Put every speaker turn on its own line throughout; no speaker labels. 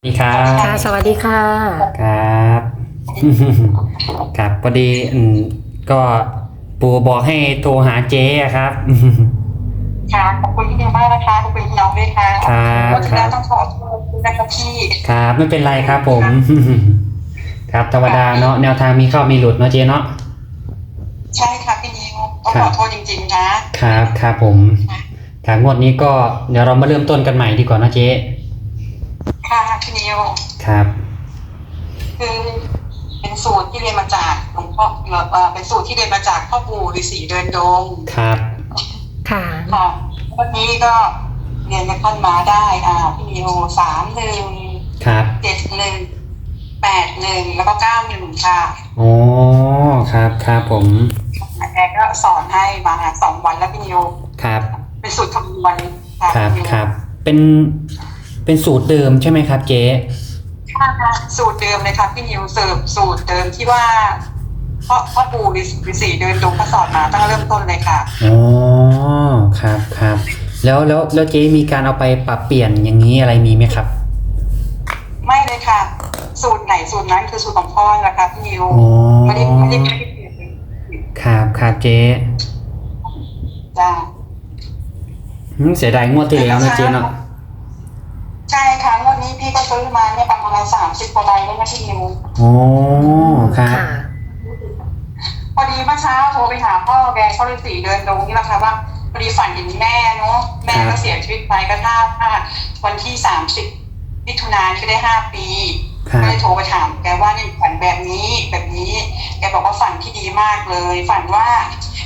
สวัสดีครับ
ค่ะสวัสดีค่ะ
ครับครับพอดีก็ปู่บอกให้โทรหาเจ๊อะครับ
ค่ะขอบคุณพี่เดียมากนะคะขอบคุณพี่น้องด้วยค่ะ
ครับ
วันที่
ครับ
แล้วต้องขอโทษด้วยนะคะพี่
ครับไม่เป็นไรครับผมครับธรรมดาเนาะแนวทางมีเข้ามีหลุดเนาะเจ๊เนาะ
ใช่ค่ะพี่นิวต้องขอโทษจริงๆนะครับ
ครับผมครับงวดนี้ก็เดี๋ยวเรามาเริ่มต้นกันใหม่ดีกว่านะเจ๊
ค่ะพี่นิว
ครับ
คือเป็นสูตรที่เรียนมาจากหลวงพ่อเป็นสูตรที่เรียนมาจากพ่อปู่ฤาษีเดินดง
ครับ
ค่ะ
ค่ะวันนี้ก็เรียนกับท่านมาได้พี่นิว31
ครับ
7181แล้วก็91ค่ะ
โอ้ครับครับผม
แกก็สอนให้มา2 วันแล้วพี่นิว
ครับ
เป็นสูตรคำนวณค่ะ
ครับ
พี่นิว
ครับเป็นสูตรเดิมใช่ไหมครับเจ๊
ค่ะสูตรเดิมเลยค่ะพี่นิวเสิร์ฟสูตรเดิมที่ว่าพ่อปู่ฤาษีเดินดงเขาสอนมาตั้งเริ่มต้นเลยค่ะ
อ๋อครับครับแล้วเจ๊มีการเอาไปปรับเปลี่ยนอย่างนี้อะไรมีไหมครับ
ไม่เลยค่ะสูตรไหนสูตรนั้นคือสูตรของพ่อนะคะพี่นิว
อ๋อ
ไม่ได้เปลี่ยนเลย
ครับครับเจ๊
จ้า
เสียดายงวดที่แล้วนะเจ๊เนาะ
ใช่ค่ะงวดนี้พี่ก็ซื้อมาเนี่ยประมาณ30 กว่าใบแล้วนะพี่นิว
อ๋อครับ
ค่ะ
พอดีเมื่อเช้าโทรไปหาพ่อแกเขาฤาษีเดินดงนี่แหละค่ะว่าพอดีฝันเห็นแม่เนาะแม่ก็เสียชีวิตไปก็ถ้าวันที่30 มิถุนายนก็ได้5 ปีก็เลยโทรไปถามแกว่านี่ฝันแบบนี้แกบอกว่าฝันที่ดีมากเลยฝันว่า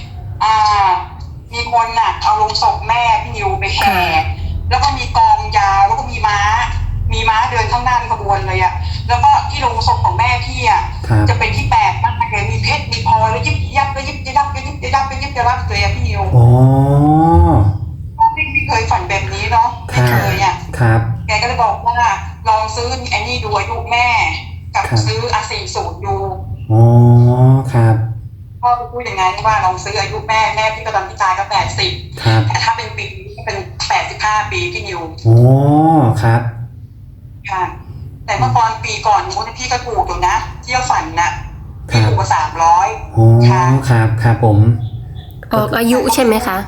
มีคนน่ะเอาลงศพแม่พี่นิวไปแห่แล้วก็มีกองยาวแล้วก็มีม้าเดินข้างหน้าเป็นขบวนเลยอะแล้วก็ที่ลงศพของแม่พี่อะจะเป็นที่แปลกมากเลยมีเพชรมีพลอยแล้วยิบยับแล้วยิบยับแล้วยิบยับแล้วยิบยับเลยอะพี่นิว
อ๋อ
ไม่เคยฝันแบบนี้เนาะไม่เคยอะ
ครับ
แกก็เลยบอกว่าลองซื้อไอ้นี่ดูอายุแม่กับซื้อ40ดู
อ๋อครับ
พ่อพูดอย่างนั้นว่าลองซื้ออายุแม่พี่ก็ตอนที่ตายก็80
ครับ
แต่ถ้าเป็นปีก็เป็น85 ปีพี่นิว
โอ้ครับ
ค่ะแต่เมื่อปีก่อนนู้นพี่ก็ถูกอยู่นะเที่ยวฝันนะพี่ถูกกว่า300
โอ้ครับครับผม
ออกอายุใช่ไหมคะ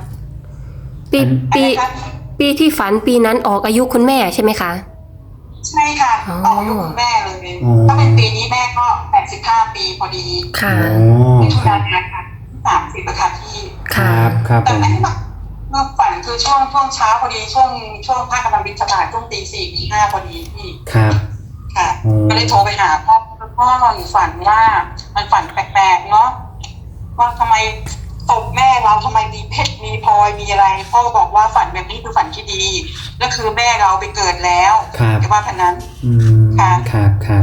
ปีที่ฝันปีนั้นออกอายุคุณแม่ใช่ไหมคะ
ใช่ค่ะออกอายุคุณแม่เลยถ้าเป็นปีนี้แม่ก็85 ปีพอดี
ค่ะ
มิถุนายนค่ะ30ประค่ะพี่
ครับครับ
แต่แม่เมื่อฝันคือช่วงเช้าพอดีช่วงภาคกำลังบินสบายช่วงตี4ตี5พอดีพี่
ครับ
ค่ะก็เลยโทรไปหาพ่อฝันว่ามันฝันแปลกๆเนาะว่าทำไมศพแม่เราทำไมมีเพชรมีพลอยมีอะไรพ่อก็บอกว่าฝันแบบนี้คือฝันที่ดีแล้วคือแม่เราไปเกิดแล้วแต่ว่าพันนั้น
ค่ะครับ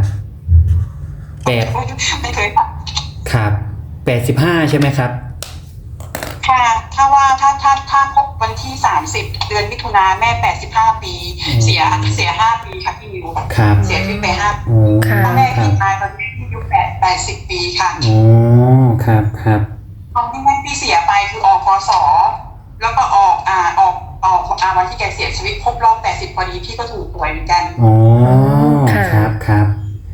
ไม่เคยฝัน
ครับ85ใช่ไหมครับ
ค่ะถ้าพบวันที่30 เดือนมิถุนาแม่85 ปีเสีย5 ปีค่ะพี่นิวเสียชีวิตไป5 ปีพ่อแม่พี่ตายตอนนี้อายุ80 ปีค่ะ
โอ้ครับ
ตอนที่แม่พี่เสียไปคือออกพศแล้วก็ออกวันที่แกเสียชีวิตครบรอบ80 พอดีพี่ก็ถูกหวยเหมือนกัน
อ๋อครับ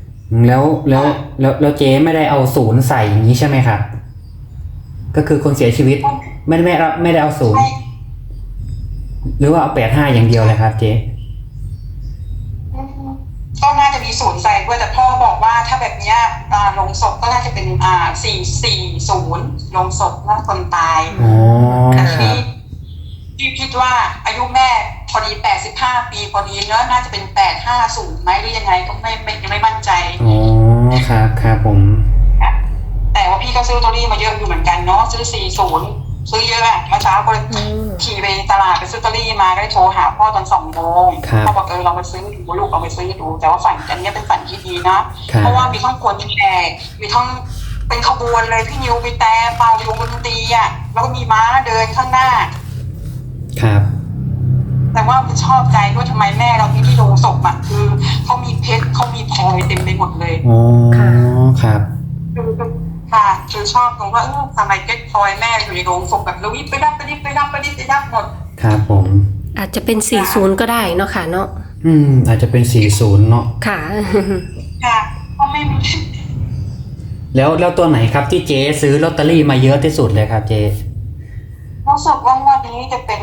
แล้วเจ๊ไม่ได้เอา0ใส่อย่างนี้ใช่ไหมครับก็คือคนเสียชีวิตไม่ได้เอา0หรือว่าเอา85อย่างเดียวเลยครับเจ๊
ก็น่าจะมี0ใส่ด้วยแต่พ่อบอกว่าถ้าแบบนี้ลงศพก็น่าจะเป็น440ลงศพนั่นคนตายแต่ที่คิดว่าอายุแม่พอดี85 ปีพอดีเนอะน่าจะเป็น850ไหมหรือยังไงก็ยังไม่มั่นใจ
อ๋อครับผม
แต่ว่าพี่ก็ซื้อลอตเตอรี่มาเยอะอยู่เหมือนกันเนาะซื้อ40ซื้อเยอะอะเมื่อเช้าก็ขี่ไปตลาดไปซื้อลอตเตอรี่มาก็ได้โทรหาพ่อตอน2 โมงพ่อบอกเราไปซื้อดูลูกเอาไปซื้อดูแต่ว่าฝันอันนี้เป็นฝันที่ดีนะเพราะว่ามีทั้งคนแก่มีทั้งเป็นขบวนเลยพี่นิวมีแต่เป่าอยู่บนดนตรีอ่ะแล้วก็มีม้าเดินข้างหน้า
ครับ
แต่ว่ามันชอบใจด้วยทำไมแม่เราที่โรงศพอ่ะคือเขามีเพชรเขามีพลอยเต็มไปหมดเลย
อ๋อครับ
ค่ะคือชอบตรงว่าทำไมเพชรพลอยแม่อยู่ในโรงศพแบบเราวิบไปดับหมด
ครับผม
อาจจะเป็น40ก็ได้เนาะค่ะเนาะ
อาจจะเป็น40เนาะ
ค่ะ
ค่ะก็ไม่
แล้วตัวไหนครับที่เจ๊ซื้อลอตเตอรี่มาเยอะที่สุดเลยครับเจ๊
รู้สึกว่างวันนี้จะเป็น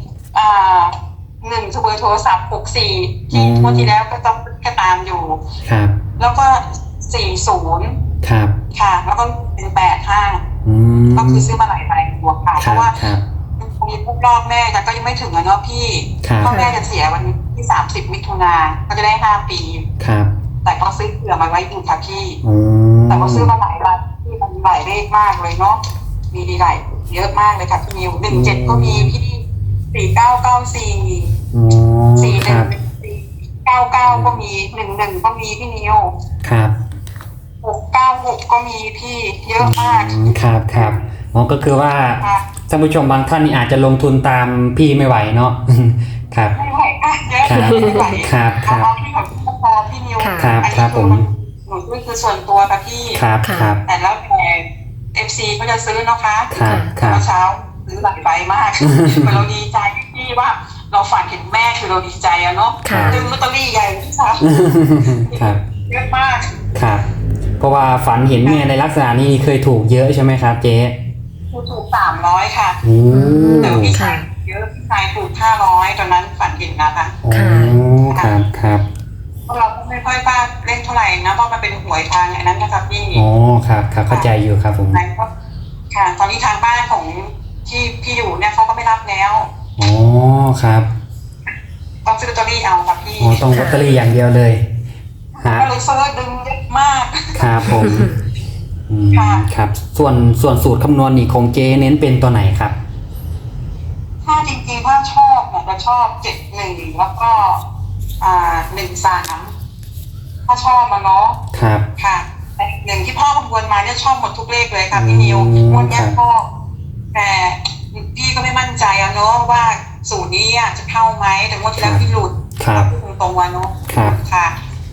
1โทรศัพท์64ที่งวดที่แล้วก็ต้องก็ตามอยู่
ครับ
แล้วก็40
ครับ
ค่ะ แล้วก็เป็น85
อืม
ก็คือซื้อมาหลายใบตัวค่ะ
ค
เพ
รับ
ราะว่า
ครับ
มีพวกรอบแม่แต่ก็ยังไม่ถึงอะเนาะพี่
ครับ
พ่อแม่จะเสียวันที่30 มิถุนาก็จะได้5 ปี
ครับ
แต่ก็ซื้อเผื่อมาไว้อยู่ค่ะพี่
อืม
แต่ก็ซื้อมาหลายใบที่มันหลายเลขมากเลยเนาะมีหลายเยอะมากเลยค่ะพี่นิว17ก็มีพี่4994
อ๋อ
41
ครับ
99ก็มี11ก็มีพี่นิว
ครับ
696ก็มีพี่เยอะมาก
ครับครับอ๋อก็คือว่า
ค่ะ
ท่านผู้ชมบางท่านนี่อาจจะลงทุนตามพี่ไม่ไหวเนาะ ครับ
ไม่ไหวค่ะเยอะ
ครับ
ไม่ไหว
ครับครับ
เอาที่ของพี่พอพี่นิว
ครับ
อัน
ครั
นี้
บผม
หนูด้วยคือส่วนตัวค่ะพี่
ครับครับ
แต่แล้วแต่ FC ก็จะซื้อนะคะ
ครับครับ
เมื่อเช้าซื้อหลายใบมาก เหมือนเราดีใจที่ว่าเราฝันเห็นแม่คือเราดีใจอะเนาะ
ค่ะ
ดึงลอตเตอรี่ใหญ่ที่สุด
ครับ
เยอะมาก
ครับ เพราะว่าฝันเห็นแม่ในลักษณะนี้เคยถูกเยอะใช่ไหมครับเจ๊
ถูก300ค่ะ
โอ้
แต่พี่ชายเยอะพี่ชายถูก500ตอนนั้นฝันเห็นนะคะ
โอ้ครับครับ
เพราะเราก็ไม่ค่อยกล้าเล่นเท่าไหร่นะเพราะมันเป็นหวยทางอันนั้นนะคะพี่
อ๋อครับครับเข้าใจอยู่ครับผม
นั้นก็ค่ะ ตอนนี้ทางบ้านของที่พี่อยู่เนี่ยเขาก็ไม่รับแล้ว
อ๋อครับ
ต้องซื้อลอตเตอรี่เอาค่ะพี่
อ๋อต้องลอตเตอรี่อย่างเดียวเลยฮะ
ก็เลยซื้อดึงเยอะมาก
ครับผม
ค่ะ
ครับส่วนสูตรคำนวณนี่ของเจเน้นเป็นตัวไหนครับ
ถ้าจริงๆถ้าชอบเนี่ยจะชอบ71แล้วก็13ถ้าชอบมาเนาะ
ครับ
ค่ะแต่1ที่พ่อคำนวณมาเนี่ยชอบหมดทุกเลขเลยค่ะพี่นิวงวดเนี้ยพ่อแต่พี่ก็ไม่มั่นใจอะเนาะว่าสูตรนี้อะจะเข้าไหมแต่งวดที่แล้วพี่หลุด
ครับ
ตรงๆวันเนาะ
ครับ
ค่ะ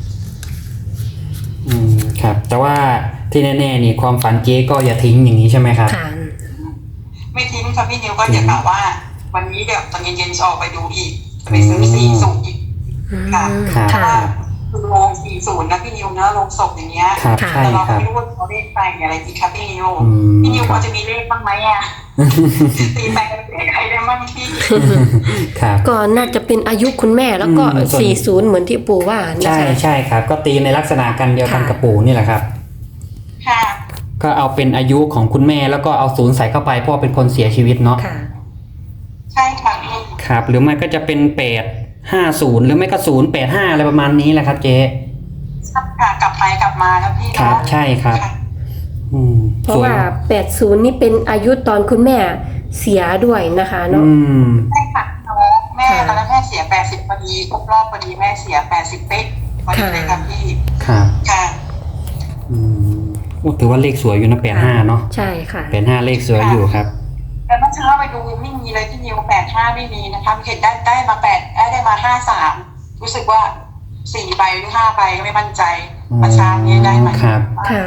ครับ แต่ว่าที่แน่ๆนี่ความฝันเจ๊ก็อย่าทิ้งอย่างนี้ใช่ไหมครับ
ค่ะ
ไม่ทิ้งค่ะพี่นิวก็จะกล่าวว่า วันนี้เดี๋ยวตอนเย็นๆจะออกไปดูอีกจะไปซื้อ40อีก ค่ะ
ครับ
ค่ะ
คือโรง40นะพี่นิวนะโรงศพอย่างเงี้ย
ครับ
ค่ะ
ใช่
แต่เรา
ค
ก็
รับ
ไม่รู้ว่าเขาเลขไปอะไรอีกครับพี่นิว
อืม
พี่นิว
ค
พ
รั
อบ จะมีเลขบ้างไหมอ่ะตีแปลงเลขใครได้บ้างพี่
ครับ
ก็น่าจะเป็นอายุคุณแม่แล้วก็
ส่วน
40เหมือนที่ปู่ว่านะ
ใช่
คะ
ใช่ครับ ก็ตีในลักษณะกันเดียวกัน
ค่ะ
กับปู่นี่แหละครับ
ค่ะ
ก็เอาเป็นอายุของคุณแม่แล้วก็เอา0ใส่เข้าไปเพราะว่าเป็นคนเสียชีวิตเนาะ
ค่ะ
ใช่ค่ะพี่
ครับ หรือไม่ก็จะเป็น850หรือไม่ก็085อะไรประมาณนี้แหละครับเจ๊
ค่ะกลับไปกลับมาแล้วพี่
ครับ
เนาะ
ใช่ครับ
ค่ะ
เพราะ
ส่น
ว่า80นี่เป็นอายุตอนคุณแม่เสียด้วยนะคะเนาะ
ใช่ค่ะน้องแม่ตอนนั้นแม่เสีย80พอดีครบรอบพอดีแม่เสีย80เป๊ะพอดีเลยค่ะพี่
ครับ
ค่ะ
โอ้ถือว่าเลขสวยอยู่นะ85เนาะ
ใช่ค่ะ
85เลขสวยอยู่ครับ
แต่เมื่อเช้าไปดูไม่มีเลยที่นิว85ไม่มีนะคะเห็นได้มาได้มา53รู้สึกว่า4ใบหรือ5ใบก็ไม่มั่นใจเมื่อเช้านี้ได้มา
ครับ
ค่ะ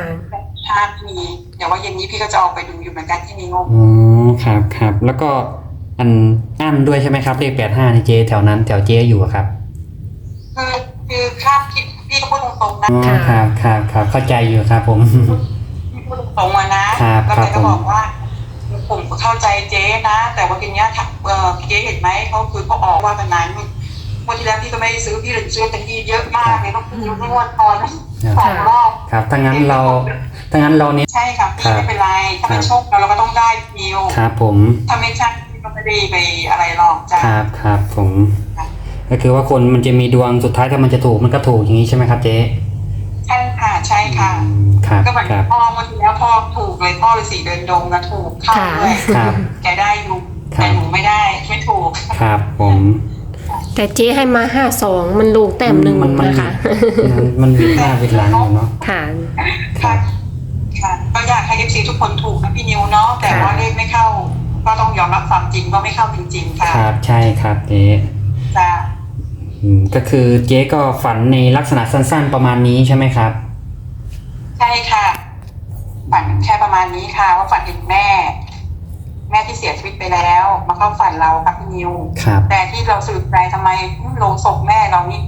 5มีเดี๋ยวว่าเย็นนี้พี่ก็จะออกไปดูอยู่เหมือนกันที่นิว
อ๋อครับครับแล้วก็อันด้วยใช่ไหมครับเลข85นี่เจ๊แถวนั้นแถวเจ๊อยู่อะครับ
คือคาดคิดพี่ก็พูดตรงๆนะ
อ๋อครับครับครับเข้าใจอยู่ครับผม
พี่พูดตรงๆมานะครับ แล้ว
ครั
แก
บ
ก็บอกว่าผมเข้าใจเจ๊นะ แต่ว่าทีเนี้ยเจ๊เห็นไหมเขาคือเขาออกว่าตอนนั้นวันที่แล้วพี่ก็ไม่ได้ซื้อพี่เลยซื้อเป็นที่เยอะมากเลยต้องซื้อไม่วันตอน2 รอบ
ครับถ้างั้นเราเนี่ย
ใช่ครับพี่ไม่เป็นไรถ้าไม่โชคเราก็ต้องได้นิว
ครับผม
ถ้าไม่ใช่พี่ก็ไม่ได้ไปอะไรหรอกจ้ะ
ครับครับผม
ค่ะ
ก็คือว่าคนมันจะมีดวงสุดท้ายถ้ามันจะถูกมันก็ถูกอย่างนี้ใช่ไหมครับเจ๊
ใช่ค่ะใช่ค่ะ
ครับ
ก็เหมือน
ครับ
พ่อเมื่อกี้แล้วพ่อถูกเลยพ่อฤาษีเดินดงนะถูกเข้าด้วย
ครับ
แกได้อยู่
ครับ
แต่หนูไม่ได้ไม่ถูก
ครับผม
แต่เจ๊ให้มา52มันลูกแต้มหนึ่ง
มัน
นะคะ
มันวิดหน้าวิดหลังอยู่เนาะ
ค่ะ
ครับ
ค่ะก็อยากให้ FC ทุกคนถูกนะพี่นิวเนาะแต่ว่าเลขไม่เข้า ก็ต้องยอมรับความจริงว่าไม่เข้าจริงๆค่ะ
ครับใช่ครับเจ๊
จ้ะ
ก็คือเจ๊ก็ฝันในลักษณะสั้นๆประมาณนี้ใช่ไหมครับ
ใช่ค่ะฝันแค่ประมาณนี้ค่ะ ว่าฝันเห็นแม่ แม่ที่เสียชีวิตไปแล้ว มาเข้าฝันเราครับพี่นิว
ครับ
แต่ที่เราสืบใจทำไมโลงศพแม่เรานี่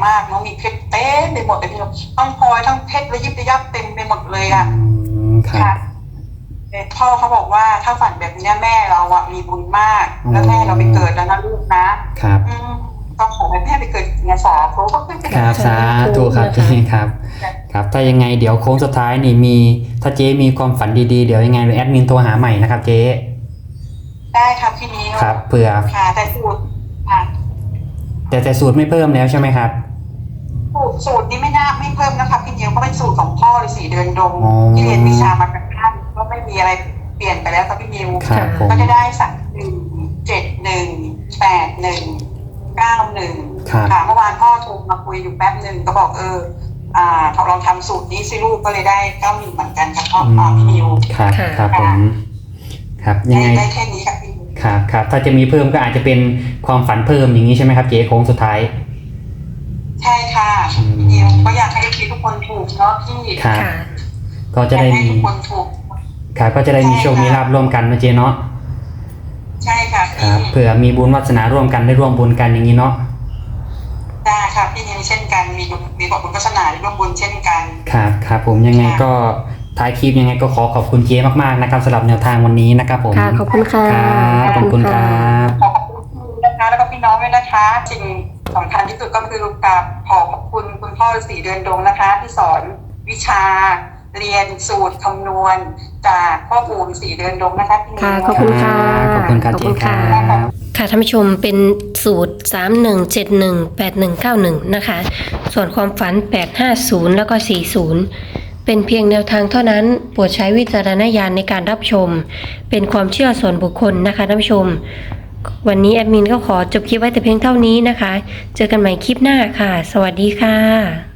มากน้องมีเพชรเต็มไปหมดเลยพี่น้องทั้งพลอยทั้งเพชรระยิบระยับเต็มไปหมดเลยอ่ะ
ครับ
พ่อเขาบอกว่าถ้าฝันแบบนี้แม่เราอะมีบุญมาก แล้วแม่เราไปเกิดแล้วนะลูกนะครับ ก็ขอให้แม่ไปเกิดในสาธุก็ขึ้นไป
ครับสาธุครับเจ๊ครับ ครับถ้ายังไงเดี๋ยวโค้งสุดท้ายนี่มีถ้าเจ๊มีความฝันดีๆเดี๋ยวยังไงแอดมินโทรหาใหม่นะครับเจ๊
ได้ครับพี่นิ้ว
ครับเผื่อ
ค่ะแต่สูตรค่ะ
แต่สูตรไม่เพิ่มแล้วใช่ไหมครับ
สูตรนี้ไม่เพิ่มนะคะพี่นิ้วก็เป็นสูตรของพ่อเลย4 เดือนดง
อ๋อ
ที่เรียนวิชามาจากท่านก็ไม่มีอะไรเปลี่ยนไปแล้วครับพี่นิ้ว
ครับผม
ก็จะได้31718191ค่ะเมื่อวานพ่อโทรมาคุยอยู่แป๊บหนึ่งก็บอกลองทำสูตรนี้สิลูกก็เลยได้91เหมือนกันครับพ่อพี่นิว
ครับครับผมครับยังไง
ได้แค่นี้ครับพี่นิว
ครับครับถ้าจะมีเพิ่มก็อาจจะเป็นความฝันเพิ่มอย่างนี้ใช่ไหมครับเจ๊โค้งสุดท้าย
ใช่ค่ะพี่นิวก็อยากให้ทุกคนถูกเนาะพี่
ครับ
ค่ะ
ก็จะได้
อยากให้
มี
ทุกคนถูก
ครับก็จะได้มีโชคมีลาภร่วมกันนะเจ๊เนาะ
ใช่ค่ะ
ครั
พี่
บเผื่อมีบุญวาสนาร่วมกันได้ร่วมบุญกันอย่างนี้เนาะ
ได้ค่ะพี่นิวเช่นกันมีบอกบุญวาสนาร่วมบุญเช่นกัน
ครับครับผมยังไงก็ท้ายคลิปยังไงก็ขอบคุณเจ๊มากๆนะครับสำหรับแนวทางวันนี้นะครับผม
ค่ะ ขอบคุณค่ะ
ครับขอบคุณครับ
ขอบคุณนะคะแล้วก็พี่น้องด้วยนะคะสิ่งสำคัญที่สุดก็คือกับขอบคุณคุณพ่อ4 เดือนดงนะคะที่สอนวิชาเรียนสูตรคำนวณจากพ่อปู่4 เดือนดงนะคะพี่นิว
ค่ะ ขอบคุณค่ะ
ขอบคุณครับเจ๊ครับ
ค่ะท่านผู้ชมเป็นสูตร 31718191 นะคะ ส่วนความฝัน 850 แล้วก็ 40 เป็นเพียงแนวทางเท่านั้นโปรดใช้วิจารณญาณในการรับชม เป็นความเชื่อส่วนบุคคลนะคะท่านผู้ชม วันนี้แอดมินก็ขอจบคลิปไว้แต่เพียงเท่านี้นะคะ เจอกันใหม่คลิปหน้าค่ะ สวัสดีค่ะ